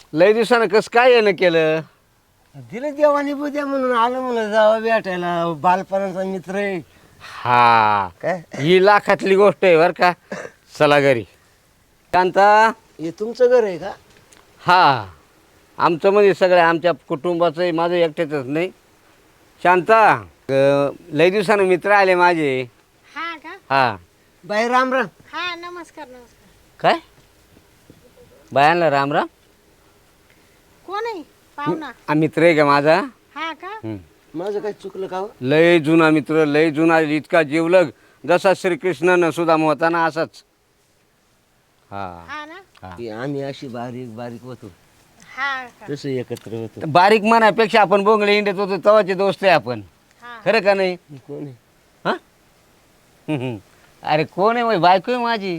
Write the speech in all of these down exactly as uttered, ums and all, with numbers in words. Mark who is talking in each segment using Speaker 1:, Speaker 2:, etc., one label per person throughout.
Speaker 1: लय दिवसानं कसं काय येणं केलं?
Speaker 2: दिलं देवानी बुद्या म्हणून आलं म्हणून जावा भेटायला. बालपणाचा मित्र आहे.
Speaker 1: हा
Speaker 2: काय
Speaker 1: ही लाखातली गोष्ट आहे बरं का. चला घरी. शांता.
Speaker 2: हे तुमचं घर आहे का?
Speaker 1: हा आमचं म्हणजे सगळं आमच्या कुटुंबाचं आहे, माझं एकट्याचंच नाही. शांता, अं, लय दिवसानं मित्र आले माझे.
Speaker 3: हा का?
Speaker 1: हा.
Speaker 2: बाई राम राम.
Speaker 3: हा नमस्कार नमस्कार.
Speaker 1: काय बायांना राम राम?
Speaker 3: कोण आहे पाहुणा?
Speaker 1: हा मित्र आहे का माझा?
Speaker 3: हा का?
Speaker 1: हं.
Speaker 2: माझं काय चुकलं का हो?
Speaker 1: लय जुना मित्र, लय जुना, इतका जीवलग जसा श्रीकृष्णानं सुदामा होता ना असाच. हा
Speaker 3: हा ना?
Speaker 1: हा.
Speaker 2: की आम्ही अशी बारीक बारीक होतो
Speaker 3: हा का?
Speaker 2: तसं एकत्र होतो.
Speaker 1: बारीक मनापेक्षा आपण बोंगळे इंडियात होतो तवाचे दोस्त आहे आपण.
Speaker 3: हा
Speaker 1: खरं का नाही?
Speaker 2: कोण आहे?
Speaker 1: हा हं, हं. अरे कोण आहे? माझी बायको आहे माझी.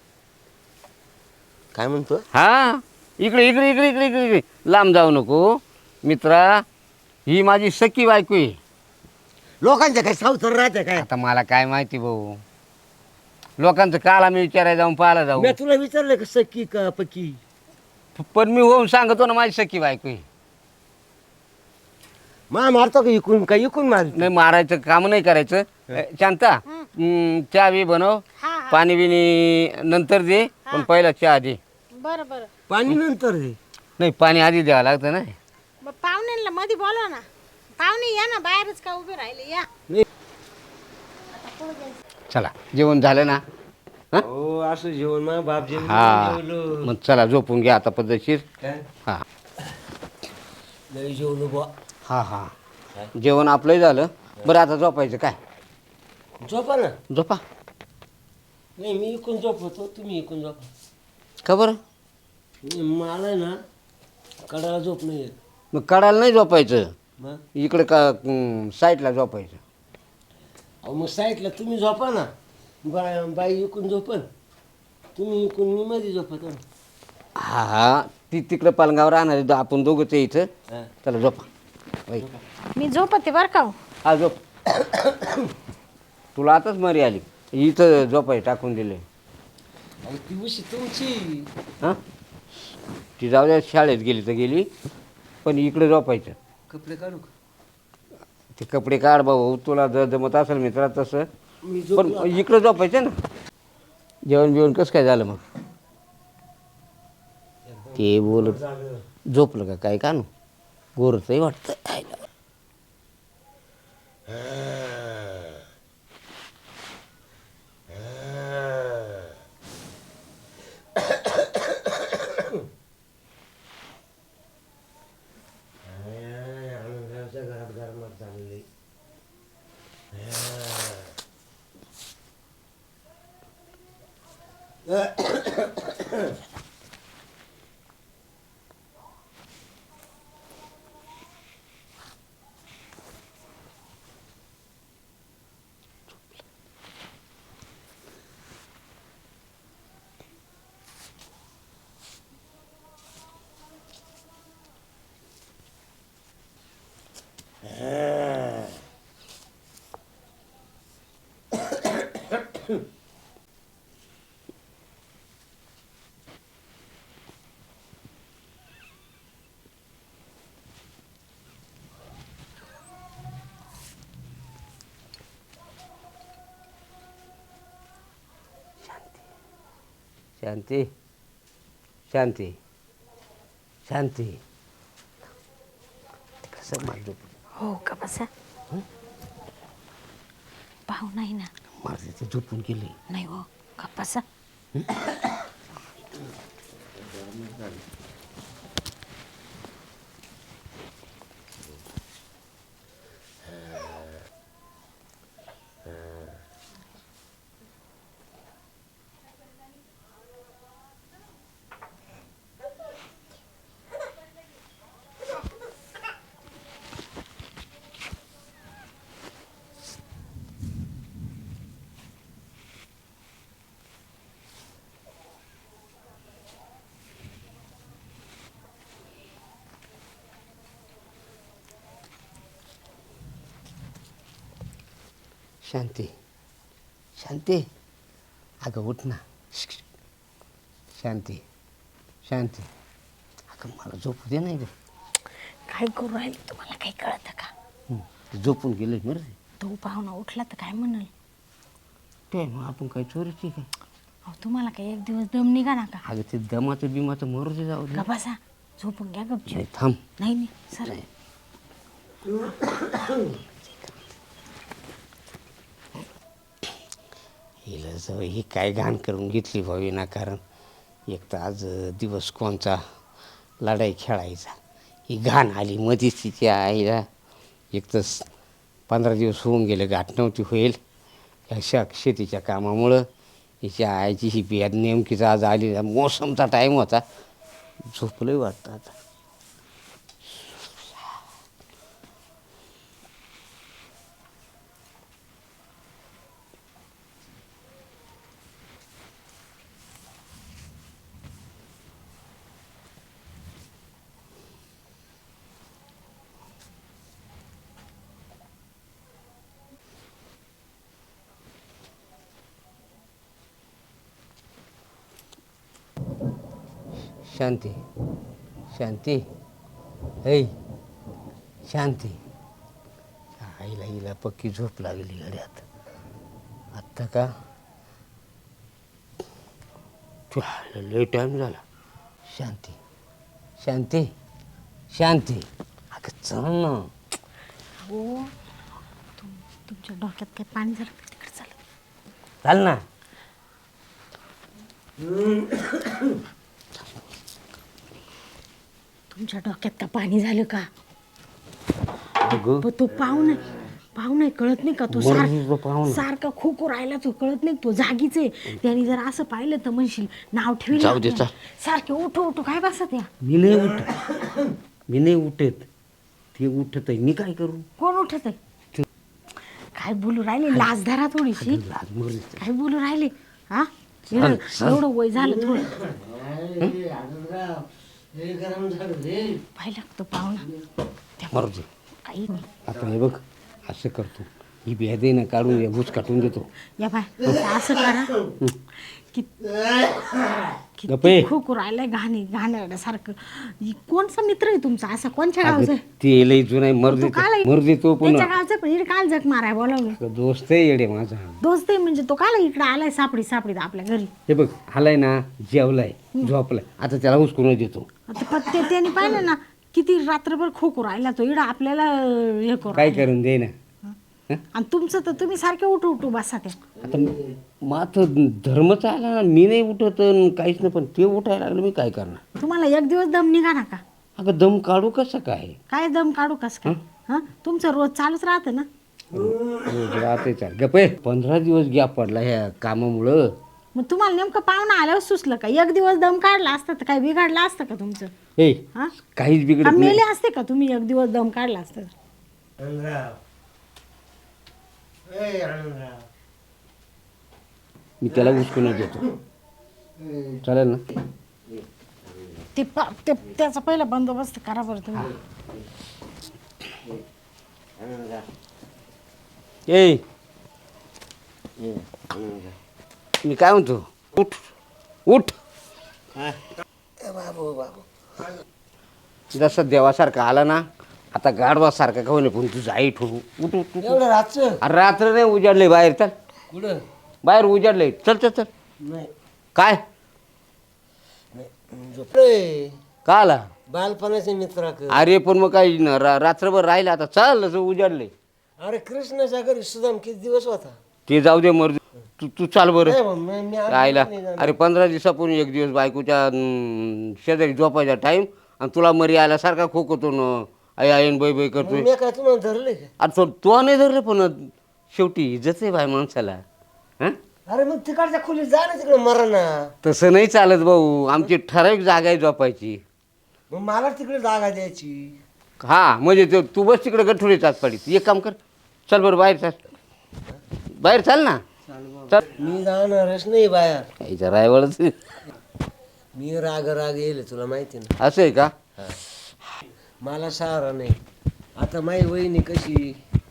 Speaker 2: काय म्हणतो?
Speaker 1: हा इकडे इकडे इकडे इकडे इकडे इकडे लांब जाऊ नको मित्रा. ही माझी सख्खी बायको आहे.
Speaker 2: लोकांच्या काय सावतर राहते काय?
Speaker 1: आता मला काय माहिती भाऊ, लोकांचं काल आम्ही विचारायला जाऊन पाहायला जाऊ.
Speaker 2: मी तुला विचारलं का सख्खी का पक्की?
Speaker 1: पण मी होऊन सांगतो ना माझी सख्खी बायको आहे.
Speaker 2: मा मारतो का इकून का इकून मार?
Speaker 1: नाही मारायचं काम नाही करायचं. अ, शांता, हं, चहा बी बनव,
Speaker 3: हा हा.
Speaker 1: पाणी बिनी नंतर दे, पण पहिला चहा दे.
Speaker 3: बरं बरं.
Speaker 2: पाणी नंतर रे.
Speaker 1: नाही पाणी आधी द्यावं लागतं ना.
Speaker 3: मग पाहुण्यांना मध्ये बोलवा ना. पाहुणे या ना, बाहेरच का उभे राहिले या.
Speaker 1: चला जेवण झालं ना? हा?
Speaker 2: हो असं जेवण मग बाप जेवण
Speaker 1: हा
Speaker 2: जेवलो.
Speaker 1: मग चला झोपून घ्या आता पद्धतशीर.
Speaker 2: काय?
Speaker 1: हा
Speaker 2: लय जेवलो बुवा.
Speaker 1: हा हा जेवण आपलंही झालं. बरं आता झोपायचं काय?
Speaker 2: झोपा ना.
Speaker 1: झोपा.
Speaker 2: नाही मी इकून झोपतो, तुम्ही इकून झोपा.
Speaker 1: का बरं?
Speaker 2: नाही, मला आहे ना कडाला झोप नाही येत.
Speaker 1: मग कडाला नाही झोपायचं,
Speaker 2: मग
Speaker 1: इकडे का अं, साईडला झोपायचं.
Speaker 2: अहो मग साईडला तुम्ही झोपा ना. बाय बाई इकून झोपन, तुम्ही इकून मी मध्ये झोपतो ना.
Speaker 1: हा हा ती तिकडं पालगावर राहणार आहे, आपण दोघंच आहे इथं.
Speaker 2: हा.
Speaker 1: चला झोपा. बाई
Speaker 3: मी झोपते बरं का हो.
Speaker 1: हा झोप. तुला आताच मरी आली, इथं झोपाय टाकून दिले.
Speaker 2: अहो ती उशी तुमची.
Speaker 1: हां ती जाऊ द्या, शाळेत गेली तर गेली, पण इकडे झोपायचं.
Speaker 2: कपडे काढू का?
Speaker 1: ते कपडे काढ भाऊ, तुला जर जमत असेल मित्रा तसं,
Speaker 2: मी
Speaker 1: पण
Speaker 2: झोपलो.
Speaker 1: इकडं झोपायचं ना. जेवण बिवण कसं काय झालं मग? ते बोलत
Speaker 2: झालं.
Speaker 1: झोपलं का काय कानू? गोरचंही वाटतं.
Speaker 2: आनंदरावच्या घरात गरमात झालेली.
Speaker 1: शांती शांती शांती कसं माझं
Speaker 3: हो का बसा. पाहू नाही ना.
Speaker 1: माझं ते झोपून गेले.
Speaker 3: नाही हो का बसा.
Speaker 1: शांती शांती अगं उठ ना. शांती शांती अगं मला झोपू दे नाही ग.
Speaker 3: काय करू राहिले तुम्हाला काही कळतं का?
Speaker 1: हं, ते झोपून गेले बरं ते.
Speaker 3: तो पाहुणा उठला तर काय म्हणाल?
Speaker 1: काय मग आपण काय चोरीची काय?
Speaker 3: अहो तुम्हाला काही एक दिवस दम निघा ना का?
Speaker 1: अगं ते दमाचं बिमाचं मरू दे जाऊ दे.
Speaker 3: का बसा झोपून घ्या गपची.
Speaker 1: नाही थांब.
Speaker 3: नाही नाही सर
Speaker 1: नाही. हिला जाऊ ही काय घाण करून घेतली भाऊ विनाकारण. एक तर आज दिवस कोणचा लढाई खेळायचा, ही घाण आली मधीच तिच्या आईला. एक तर पंधरा दिवस होऊन गेले गाठ नव्हती होईल ह्या शा शेतीच्या कामामुळं. हिच्या आईची ही बियाद नेमकीच आज आली. मोसमचा टाईम होता. झोपलंही वाटतं आता. शांती शांती ऐ शांती. आईला हिला पक्की झोप लागली गड्यात. आत्ता का लय टाईम झाला. शांती शांती शांती अगं चल ना.
Speaker 3: हो तुम तुमच्या डोक्यात काय पाणी झालं का? तिकडे चालत
Speaker 1: चाल ना.
Speaker 3: तुमच्या डोक्यात का पाणी झालं का?
Speaker 1: अगं
Speaker 3: पण तो पाहुणा पाहुणा कळत नाही का? तो
Speaker 1: मर्जीचा पाहुणा.
Speaker 3: सार सारखा खोको राहिला तो कळत नाही. तो जागीच आहे. त्याने जर असं पाहिलं तर म्हणशील नाव ठेवलं
Speaker 1: जाऊ दे,
Speaker 3: आपल्याला.
Speaker 1: चल.
Speaker 3: सारखे उठो उठो काय बसत या?
Speaker 1: मी नाही उठत. मी नाही उठत. ते उठत आहे. मी काय करू?
Speaker 3: कोण उठत आहे? काय बोलू राहिले? लाज धरा थोडीशी.
Speaker 1: लाज मरू दे.
Speaker 3: काय बोलू राहिले? हा
Speaker 1: चल, चल.
Speaker 3: एवढं वय झालं थोडं
Speaker 2: अरे, आनंदराव, लय गरम झालं रे.
Speaker 3: पाहिलं का तो पाहुणा?
Speaker 1: मरू दे.
Speaker 3: काही नाही.
Speaker 1: आता हे बघ असं करतो. ही बेदे ना काढून या भूस काटून देतो.
Speaker 3: या बाय असं करा की
Speaker 1: गप्पे.
Speaker 3: खूप राहिलंय घाणे घाणेरड्यासारखं. इ- कोणचा मित्र आहे तुमचा असा? कोणच्या
Speaker 1: अगं,
Speaker 3: गावचा?
Speaker 1: ते लई जुना आहे. मरू
Speaker 3: तो
Speaker 1: दे
Speaker 3: काल
Speaker 1: मरू दे तो
Speaker 3: त्याच्या
Speaker 1: पुन्हा.
Speaker 3: गावचा पण इकडे काल जग माराय बोलावलं.
Speaker 1: अगं, दोस्त आहे येडे माझा.
Speaker 3: दोस्त आहे म्हणजे तो काल इकडे आलाय सापडी सापडीत आपल्या घरी.
Speaker 1: हे बघ आलाय ना जेवलाय झोपलाय. आता त्याला हुसकून देतो.
Speaker 3: आता पत्ते त्याने पाहिलं ना किती रात्रभर खोकू राहिला तो इडा आपल्याला हे करू
Speaker 1: काय
Speaker 3: राहिला.
Speaker 1: करून दे ना.
Speaker 3: आणि तुमचं तर तुम्ही सारखे उठू उठू बसा त्या.
Speaker 1: आता माथ धर्मच आला ना. मी नाही उठत अन काहीच नाही. पण ते उठायला लागलं मी काय करणार.
Speaker 3: तुम्हाला एक दिवस दम निघा ना का?
Speaker 1: अगं दम काढू कसं काय?
Speaker 3: काय दम काढू कस काय? हा तुमचं रोज चालूच राहतं ना.
Speaker 1: रोज राहते चाल गप्पे. पंधरा दिवस गॅप पडला ह्या कामामुळं.
Speaker 3: मग तुम्हाला नेमकं पाहुणा आल्यावर सुचलं का? एक दिवस दम काढला असता तर काय बिघडलं असतं का तुमचं?
Speaker 1: ए
Speaker 3: हा
Speaker 1: काहीच
Speaker 3: का
Speaker 1: बिघडत नाही.
Speaker 3: मेले असते का तुम्ही एक दिवस दम काढला असता तर?
Speaker 2: आनंदराव, ए, आनंदराव.
Speaker 1: मी त्याला हुसकून देतो. चालेल ना.
Speaker 3: ते प- ते त्याचा पहिला बंदोबस्त करा बरं तुम्ही.
Speaker 2: आनंदराव,
Speaker 1: ए
Speaker 2: ए, आनंदराव.
Speaker 1: मी काय म्हणतो उठ उठ.
Speaker 2: काय? ए, बाबू बाबू
Speaker 1: जसं देवासारखा आला ना आता गाढवासारखा का होणे पण तुझं आई ठेवू. उठ उठ उठ.
Speaker 2: एवढं रातचं
Speaker 1: अरे रात्र नाही उजाडले बाहेर. चल
Speaker 2: कुठं?
Speaker 1: बाहेर उजाडले. चल चल चल.
Speaker 2: नाही
Speaker 1: काय
Speaker 2: नाही झोपलोय.
Speaker 1: का आला?
Speaker 2: बालपणाचे मित्र
Speaker 1: अरे पण मग काही न- रा- रात्रभर राहिला आता चल असं उजाडले.
Speaker 2: अरे कृष्णाच्या घरी सुदाम किती दिवस होता?
Speaker 1: ते जाऊ दे मर. तू तू चाल बरं
Speaker 2: नाही मग मी- मी आलो
Speaker 1: राहिला.
Speaker 2: नाही जाणार.
Speaker 1: अरे पंधरा दिवसापूर्वी एक दिवस बायकोच्या अं, शेजारी झोपायचा टाईम आणि तुला मरी आल्यासारखा खोकतो न आई आईन बाई बाई
Speaker 2: मग
Speaker 1: करतोय.
Speaker 2: मी काय तुम्हाला धरले का?
Speaker 1: अरे तो तो नाही धरलं पण शेवटी इज्जत आहे बाय माणसाला. हां
Speaker 2: अरे मग तिकडच्या खोलीत जा ना तिकडे मरा ना.
Speaker 1: तसं नाही चालत भाऊ. आमची ठराविक जागा आहे झोपायची.
Speaker 2: मग मला तिकडे जागा द्यायची.
Speaker 1: हा म्हणजे ते तू बस तिकडे गठुडे चाच पडीत. एक काम कर चल बरं बाहेर चाल. बाहेर चाल ना. चल
Speaker 2: मी जाणारच नाही बाहेर.
Speaker 1: यायचं रायवळच
Speaker 2: मी राग राग येईल तुला माहिती ना.
Speaker 1: असं आहे का?
Speaker 2: मला सहारा नाही. आता माई वहिनी कशी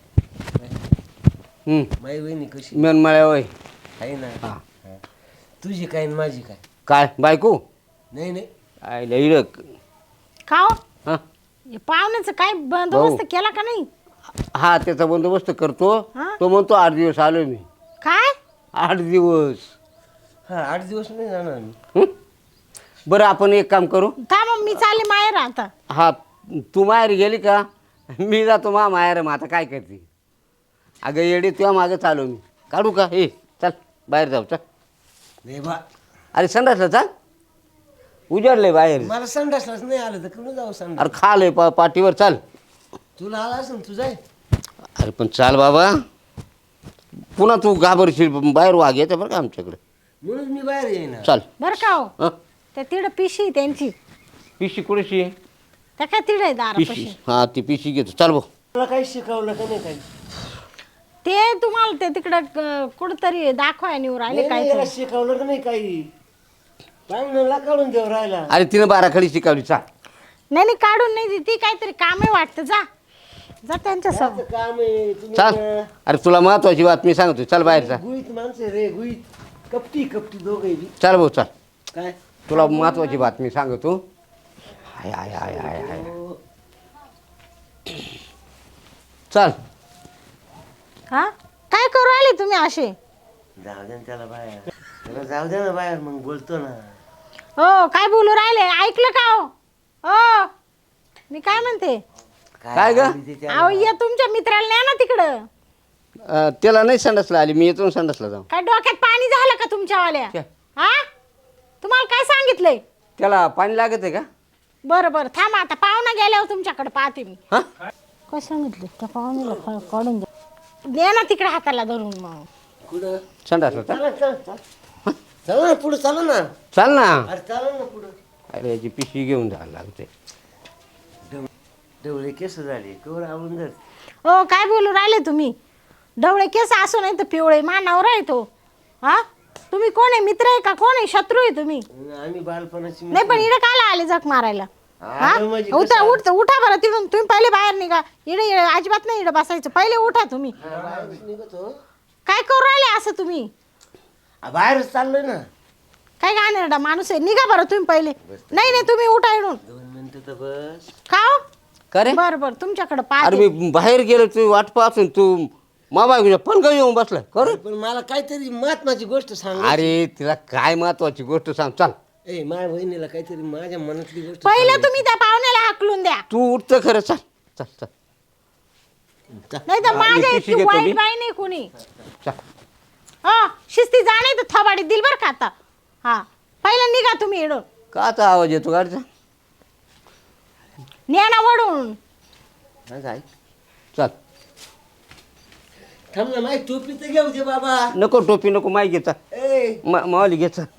Speaker 1: हं.
Speaker 2: माई वहिनी कशी
Speaker 1: मनमाळ्या वय.
Speaker 2: आहे ना.
Speaker 1: हा
Speaker 2: हा. तुझी काय आणि माझी काय?
Speaker 1: काय बायको
Speaker 2: नाही नाही
Speaker 1: आयला इडक
Speaker 3: का हो?
Speaker 1: हां
Speaker 3: हे पाहुण्याचं काय बंदोबस्त केला का नाही?
Speaker 1: हा त्याचा बंदोबस्त करतो.
Speaker 3: हा?
Speaker 1: तो म्हणतो आठ दिवस आलो मी.
Speaker 3: काय?
Speaker 1: आठ दिवस.
Speaker 2: हा आठ दिवस नाही जाणार मी.
Speaker 1: हं? बरं आपण एक काम करू.
Speaker 3: थांब मी चालले माहेर आता.
Speaker 1: हा तू माहेर गेली का मी जातो मा माहेर. मग आता काय करते अगं येडे तुझ्या मागं चालू मी. काढू का हे चल बाहेर जाऊ चल.
Speaker 2: नाही बा
Speaker 1: अरे संडासला चाल उजाडलंय बाहेर.
Speaker 2: मला संडासलाच नाही आलं तर कुठं जाऊ संडास.
Speaker 1: अरे खालय पा पाठीवर चाल.
Speaker 2: तुला आला असं तू जाय.
Speaker 1: अरे पण चाल बाबा पुन्हा तू घाबरशील. बाहेर वाघ येते बरं का आमच्याकडे.
Speaker 2: म्हणून मी बाहेर येईना.
Speaker 1: चाल.
Speaker 3: बरं का हो?
Speaker 1: हं?
Speaker 3: त्या तिड पिशी त्यांची
Speaker 1: पिशी कुठेशी आहे?
Speaker 3: त्या काय तिड आहे
Speaker 1: पिशी
Speaker 3: दारापाशी.
Speaker 1: हां ती पिशी घेतो चाल भाऊ.
Speaker 2: तुला काही शिकवलं का नाही काही?
Speaker 3: ते तुम्हाला ते तिकडं कुठंतरी दाखवाय निवर आले
Speaker 2: नाही,
Speaker 3: काय
Speaker 2: नाही,
Speaker 3: ते.
Speaker 2: याला शिकवलं का नाही काही? पाहुण्याला काढून देऊ राहिला.
Speaker 1: अरे तिनं बाराखडी शिकवली चाल.
Speaker 3: नाही नाही काढून नाही ती काहीतरी कामे वाटतं. जा जा त्यांच्या
Speaker 2: त्याचं
Speaker 3: समोर.
Speaker 2: काम आहे तुम्ही
Speaker 1: चाल.
Speaker 2: ना-
Speaker 1: अरे तुला महत्वाची बातमी सांगतो चल बाहेर चाल.
Speaker 2: गुईत माणसं रे गुईत. कपटी कपटी दोघे बी.
Speaker 1: चाल भाऊ चाल.
Speaker 2: काय
Speaker 1: तुला महत्वाची बातमी सांगतो. हाय हाय हाय हाय हाय
Speaker 2: हो.
Speaker 1: चाल.
Speaker 3: हा काय करू आले तुम्ही असे?
Speaker 2: जाऊ दे ना त्याला बाहेर. त्याला जाऊ दे ना बाहेर मग बोलतो ना.
Speaker 3: हो काय बोलू राहिले ऐकलं का हो? हो मी काय म्हणते
Speaker 1: काय ग?
Speaker 2: आली ते त्याला.
Speaker 3: अहो या तुमच्या मित्राला न्या ना तिकडं.
Speaker 1: अं, त्याला नाही संडासला आली मी येतो संडासला जाऊ.
Speaker 3: काय डोक्यात पाणी झालं का तुमच्यावाल्या?
Speaker 1: काय?
Speaker 3: हा तुम्हाला काय सांगितलंय?
Speaker 1: त्याला पाणी लागत आहे का?
Speaker 3: बरं बरं थांबा आता पाहुणा गेल्यावर तुमच्याकडे पाहते मी.
Speaker 1: हा
Speaker 3: काय सांगितलं त्या पाहुण्याला क- काढून द्या. दे ना तिकडे हाताला धरून मग.
Speaker 2: कुठं?
Speaker 1: संडासला चाल.
Speaker 2: चला चल चल. चला ना पुढं चला ना.
Speaker 1: चाल ना.
Speaker 2: अरे चला ना पुढं.
Speaker 1: अरे याची पिशवी घेऊन जायला लागते.
Speaker 2: डवळे केस झाले कवर आवडून जात.
Speaker 3: हो काय बोलू राहिले तुम्ही? ढवळे केस असो नाही तर पिवळे मानावर आहे तो. हा तुम्ही कोण आहे? मित्र आहे का कोण आहे? शत्रू आहे तुम्ही?
Speaker 2: आम्ही बालपणाची
Speaker 3: नाही पण इकडे कायला आले जग मारायला? हा
Speaker 2: आलं म्हणजे
Speaker 3: उठा
Speaker 2: कसं?
Speaker 3: उठ उठा बरं तिथून. तुम्ही पहिले बाहेर निघा. इकडे इकडे अजिबात नाही इकडे बसायचं. पहिले उठा तुम्ही.
Speaker 2: हा, बाहेरच निघतो.
Speaker 3: काय करू राहिले असं तुम्ही?
Speaker 2: आ, बाहेरच चाललोय ना.
Speaker 3: काय गाणेरडा माणूस आहे. निघा बरं तुम्ही पहिले. नाही नाही तुम्ही उठा इडून.
Speaker 2: दोन मिनिटं तर बस.
Speaker 3: खाओ
Speaker 1: का रे?
Speaker 3: बरं बरं तुमच्याकडे
Speaker 1: अरे
Speaker 3: पाहते.
Speaker 1: मी बाहेर गेलो तू वाट पाहून तू मामा घेऊन पण का येऊन बसलाय कर.
Speaker 2: पण मला काहीतरी महत्वाची गोष्ट सांग.
Speaker 1: अरे तिला काय महत्वाची गोष्ट सांग चाल.
Speaker 2: ए माझ्या बहिणीला काहीतरी माझ्या मनातली गोष्ट
Speaker 3: पहिलं तुम्ही त्या पाहुण्याला हाकलून द्या.
Speaker 1: तू उठतं खरं चाल चाल चाल
Speaker 2: सांग.
Speaker 3: नाही तर
Speaker 1: हा,
Speaker 3: माझ्या
Speaker 1: मी
Speaker 3: इतकी
Speaker 1: पिशवी घेतो मी.
Speaker 3: वाईट बाई नाही कुणी.
Speaker 1: चाल.
Speaker 3: हा शिस्ती जा नाही तर थबाडी दिल बरं का आता. हा पहिलं निघा तुम्ही इडून.
Speaker 1: काचा आवाज येतो गाडीचा?
Speaker 3: नेणा वडून.
Speaker 2: हा, जाय.
Speaker 1: चाल.
Speaker 2: थांब ना माही टोपी तर घेऊ दे बाबा.
Speaker 1: नको टोपी नको माई घे चाल.
Speaker 2: ए
Speaker 1: मा- मावली घे चाल.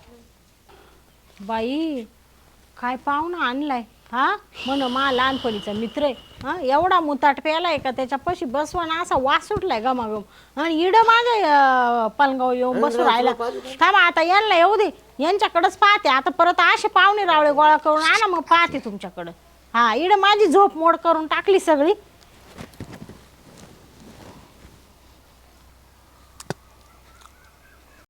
Speaker 3: बाई काय पाहुणा आणलाय. हा म्हण मा लहानपणीचा मित्र आहे. हा एवढा मुताट प्यालाय का त्याच्यापाशी बसवाना असा वास सुटलाय गमागम. आणि इड माझ्या पलगाव येऊन बसू राहिला. थांबा आता यांना येऊ दे. यांच्याकडेच पाहते आता. परत असे पाहुणे रावळे गोळा करून आणा मग पाहते तुमच्याकडं. हा इड माझी झोप मोड करून टाकली सगळी.